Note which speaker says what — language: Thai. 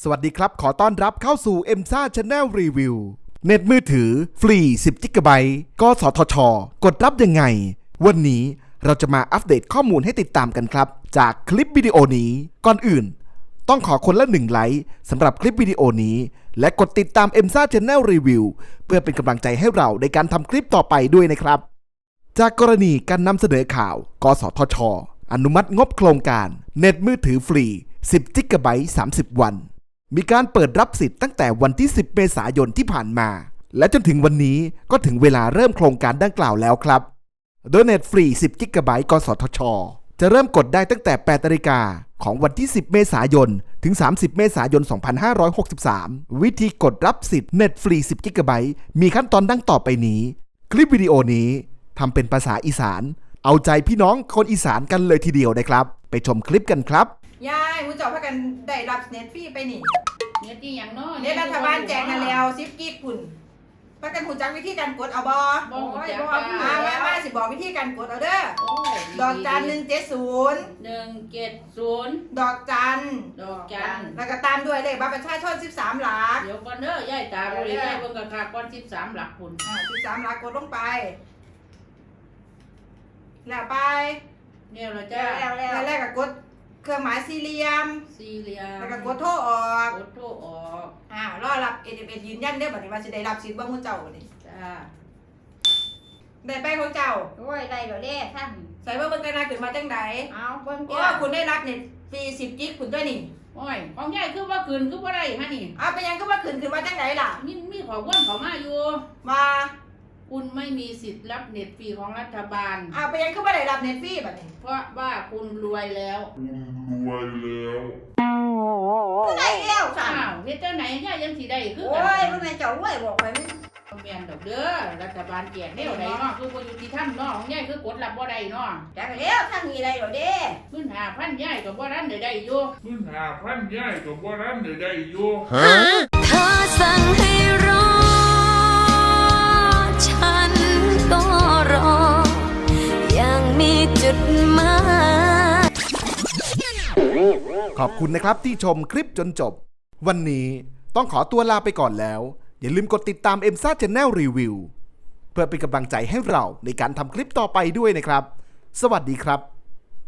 Speaker 1: สวัสดีครับขอต้อนรับเข้าสู่ EMSA Channel Review เน็ตมือถือฟรี10 GB กสทช.กดรับยังไงวันนี้เราจะมาอัปเดตข้อมูลให้ติดตามกันครับจากคลิปวิดีโอนี้ก่อนอื่นต้องขอคนละ1 ไลค์สำหรับคลิปวิดีโอนี้และกดติดตาม EMSA Channel Review เพื่อเป็นกำลังใจให้เราในการทำคลิปต่อไปด้วยนะครับจากกรณีการนำเสนอข่าวกสทช.อนุมัติงบโครงการเน็ตมือถือฟรี10 GB 30 วันมีการเปิดรับสิทธิ์ตั้งแต่วันที่10 เมษายนที่ผ่านมาและจนถึงวันนี้ก็ถึงเวลาเริ่มโครงการดังกล่าวแล้วครับโดยเน็ตฟรี10 GB กสทช.จะเริ่มกดได้ตั้งแต่ 8 นาฬิกาของวันที่10 เมษายนถึง30 เมษายน 2563วิธีกดรับสิทธิ์เน็ตฟรี10 GB มีขั้นตอนดังต่อไปนี้คลิปวิดีโอนี้ทำเป็นภาษาอีสานเอาใจพี่น้องคนอีสานกันเลยทีเดียวนะครับไปชมคลิปกันครับ
Speaker 2: ยายมูเจ้าพากันได้รับเน็ตฟรีไปนี่
Speaker 3: เน็ตที่อย่างน้อย
Speaker 2: เน็ตรัฐบาลแจกกันแล้ว10 กิกพุ่นพากันหูจักวิธีการกดเอาบ่
Speaker 3: บ่ฮู้จัก
Speaker 2: มาสิบอกวิธีการกดเอาเด้อดอกจัน170
Speaker 3: 170
Speaker 2: ดอกจันแล้วก็ตามด้วยเลขบัตรประชาชน13 หลัก
Speaker 3: เดี๋ยวก่อนเด้อยายตาบ่ได้ยายเบิ่งกะคักก่อน13หลักพุ่น
Speaker 2: 13 หลักกดลงไปแล้วไป
Speaker 3: แล้วล่ะจ้า
Speaker 2: แล้วก็กดเครื่องหมายสี่เหลี่ยมแล้วก็กดโทรออกรอรับ SMS ยืนยันเด้อบัดนี้ว่าสิได้รับสิทธิ์บ่ฮู้เจ้าบัดนี้
Speaker 3: จ้า
Speaker 2: ได้ไปของเจ้า
Speaker 4: โอ้ยได้แล้วเด้ท่าน
Speaker 2: ใส่เบิ่งกันนะขึ้นมาจังได๋
Speaker 4: เอาเบิ่ง
Speaker 2: จ้าคุณได้รับเน็ตฟรี10 กิกคุณด้วยนี่
Speaker 3: โอ้ยของยายคือว่าขึ้นคือบ่ได้ฮะนี่
Speaker 2: ไปยังก็ว่าขึ้นมาจังได๋ล่ะ
Speaker 3: มีข้อมูลเข้ามาอยู่
Speaker 2: ว่า
Speaker 3: คุณไม่มีสิทธิ์รับเน็ตฟรีของรัฐบาล
Speaker 2: ไปยังก็บ่ได้รับเน็ตฟรีบัดนี้
Speaker 3: เพราะว่าคุณรวยแล้ว
Speaker 2: ได้แล้ว
Speaker 3: ค่ะเฮ็ดจังไหนยายยังสิได้คือ
Speaker 4: โอ้ยมันแม่เจ้ารวยบอกไปมึง
Speaker 3: แม่นดอกเด้อรัฐบาลแจกแนวใดเนาะคือบ่ยุติธรรมเนาะของยายคือกดรับบ่ได้เนาะ
Speaker 4: จักแล้วท่านมีได้แล้วเด้
Speaker 3: ขึ้น5,000ยายก็บ่ทันได้อยู่
Speaker 5: ขึ้น5,000ยายก็บ่ทันได้อยู่
Speaker 6: เธอสั่งให้รอฉันก็รอยังมีจุดหมาย
Speaker 1: ขอบคุณนะครับที่ชมคลิปจนจบวันนี้ต้องขอตัวลาไปก่อนแล้วอย่าลืมกดติดตาม EMSA Channel Review เพื่อเป็นกำลังใจให้เราในการทำคลิปต่อไปด้วยนะครับสวัสดีครับ